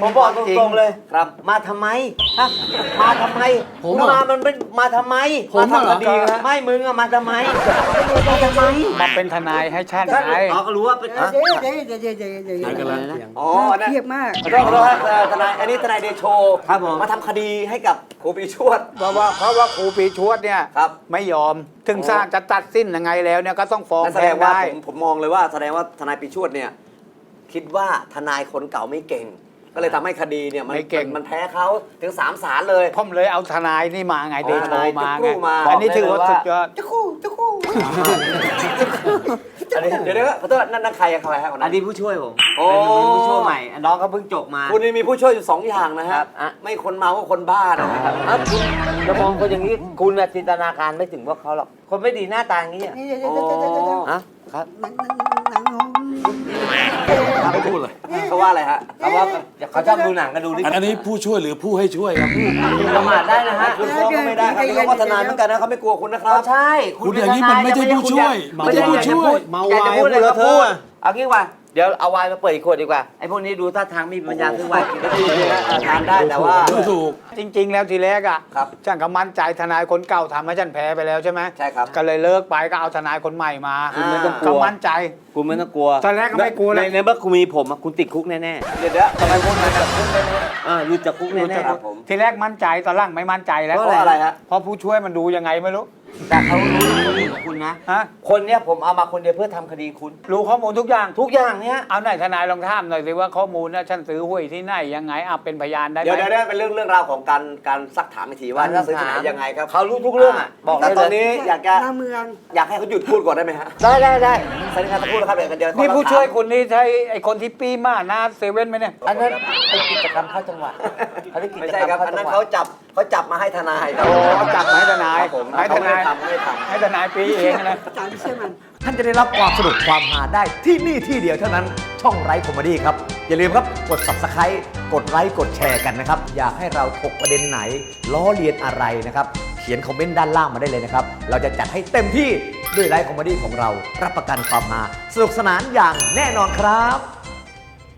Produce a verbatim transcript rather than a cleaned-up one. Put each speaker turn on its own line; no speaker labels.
ผมบอกตรงๆเลย
ครับ
มาทำไมฮะมาทำไม
ผม
มึง
เหรอ
มามันเป็นมาทำไม
ผมเหรอ
ทำคดีครับไม่มึงอะมาทำไมมาทำไม
มาเป็นทนายให้ฉันไง
อ๋อก็รู้ว่าเป็น
เดี๋ยวเดี๋ยวเดี๋ยวเดี๋ยวเดี๋ยวเดี๋ยว
ไหนกันล่ะ
อ๋ออันนั้น
เครียดมาก
ขอโทษขอโทษครับเอ่อทนายอันนี้ทนายเดโชครับผมมาทำคดีให้กับครูปีชวด
เพราะว่าเพราะว่าครูปีชวดเนี่ย
ครับ
ไม่ยอม ถึงสร้างจะตัดสิ้นยังไงแล้วเนี่ยก็ต้องฟ้อง
นั่นแส
แพ่
ด
ง
งว่า
ได้
ผมผมมองเลยว่าแสดงว่าทนายปีชวดเนี่ยคิดว่าทนายคนเก่าไม่เก่ง ก็เลยทำให้คดีเนี่ยมัน
ไม่เก่ง
มันแพ้เขาถึงสามศาลเลย
ผมเลยเอาทนายนี่มาไง
อ๋อ
เดโช
ทนาย
มา
จุ๊กรู
ไง
มา
อันนี้ถือว่า
บอกได้เลยว่า
สุดยอด
จะคู่จะคู่
อันนี้เดี๋ยวเดี๋ยวขอโทษนั่นนั่นใครอะใครฮะคน
อั
นั้น น
นี้ผู้ช่วยผม
โอ้
เป็นผู้ช่วยใหม่น้องเขาเพิ่งจบมา
คุณนี่มีผู้ช่วยอยู่สองอย่างนะ
ครั
ฮะ
บอ่ะ
ไม่คนเมาก็คนบ้านะครับ
อ้าวคุณจะมองคนอย่างนี้คุณน่ะจินตนาการไม่ถึงพวกเขาหรอกคนไม่ดีหน้าตาอย่างนี้อะ
นี่เดี๋ยวเดี๋ยวเดี๋ยวเดี๋ยวเดี๋ยว
ฮะครับ
หนังหนังหนังของ
ไม่พูดเลย
เขาว่าอะไรฮะ
เขาว่าเขาชอบดูหนังกันดูดิ
อันนี้ผู้ช่วยหรือผู้ให้ช่วยครับ
ประมาทได้นะฮะ
คุณฟ้องก็ไม่ได้ครับนี่เขาก็ทนายเหมือนกันนะเขาไม่กลัวคุณนะครั
อ๋
บ
อใช่
คุณอย่างนี้มันไม่ใช่ผู้ช่วย
ไม่ใช่ผู้ช่วย
เมา
อยากจะพูดเลย
วาย
ก็
พูด
พู
เล
ด
อะเทอะ
เอางี้ว่าเดี๋ยวเอาไวน์มาเปิดอีกขวดดีกว่าไอ้พวกนี้ดูท่าทางมีปัญญาซื้อไวน์กินได้ดีนะ
เออทานได้แต่ว่า
ไม่ถูก
จริง ๆ แล้วทีแรกอ่ะ
ครับ
ฉันก็มั่นใจทนายคนเก่าทำให้ฉันแพ้ไปแล้วใช่ไหม
ใช่ครับ
ก็เลยเลิกไปก็เอาทนายคนใหม่มา
คุณไม่ต้องกลัว
ก็มั่นใจ
คุณไม่ต้องกลัว
ตอนแรกก็ไม่กลัวเลย
ในในเมื่อคุณมีผมอะคุณติดคุกแน่
เดี๋ยวเดี๋ยวทำไมคุณมาจากคุณเลยนะ
ๆอ่ารู้จักคุกแน่
ครับผม
ทีแรกมั่นใจตอนหลังไม่มั่นใจแล้ว
เพราะอะไรฮะ
เพราะผู้ช่วยมันดูยังไงไม่รู้
ๆแต่เขารู้รู้ของคุณนะ
ฮะ
คนเนี้ยผมเอามาคนเดียวเพื่อทำคดีคุณ
รู้ข้อมูลทุกอย่าง
ทุกอย่างเนี้ย
เอาไหนทนายลองถามหน่อยสิว่าข้อมูลนะฉันซื้อหวยที่ไหนยังไงอ่ะเป็นพยานได้ไห
เดี๋ยว
ม
เดี๋ยวเดี๋ยวเป็นเรื่องเรื่องราวของการการซักถามอีกทีว่าจะซื้อที่ไหนยังไงครับ
เขารู้ทุกเรื่องอ่ะบอก
แต่
ได้
ตอน
เลย
นี้อยากจะ
หน้าเมือง
อยากให้เขาหยุดพูดก่อนได้ไหมฮะ
ได้ได้ได้
สันนิษฐานจะพูดนะครับเดี๋ยวเดี๋ยว
นี่ผู้ช่วยคุณนี่ใช่ไอคนที่ปีมาหน้าเซเว่นไหมเนี่ย
อันนั้นเป็นกิจกรรมเข้าจังหวัดเขาเรียกกิ
ไม่
จ
ใช่
กรรม
ครับ
เข้า
อัน
จั
นั้น
งหวั
เขา
ด
จับเขาจับมาให้ทนายครับ
โอ้จับมาให้ทนาย
ครับผม
ให้ทนาย
เขาไม่ได้ทำไม่ได้ทำ
ให้ทนายปีเองนะ
จานเชื่อมัน
ท่านจะได้รับความสนุกความหาได้ที่นี่ที่เดียวเท่านั้นช่องไร้คอมเมดี้ครับ อย่าลืมครับกด Subscribe กดไลค์กดแชร์กันนะครับ อยากให้เราถกประเด็นไหน ล้อเลียนอะไรนะครับ เขียนคอมเมนต์ด้านล่างมาได้เลยนะครับ เราจะจัดให้เต็มที่ด้วยไลฟ์คอมเมดี้ของเรา รับประกันความฮาสนุกสนานอย่างแน่นอนครับ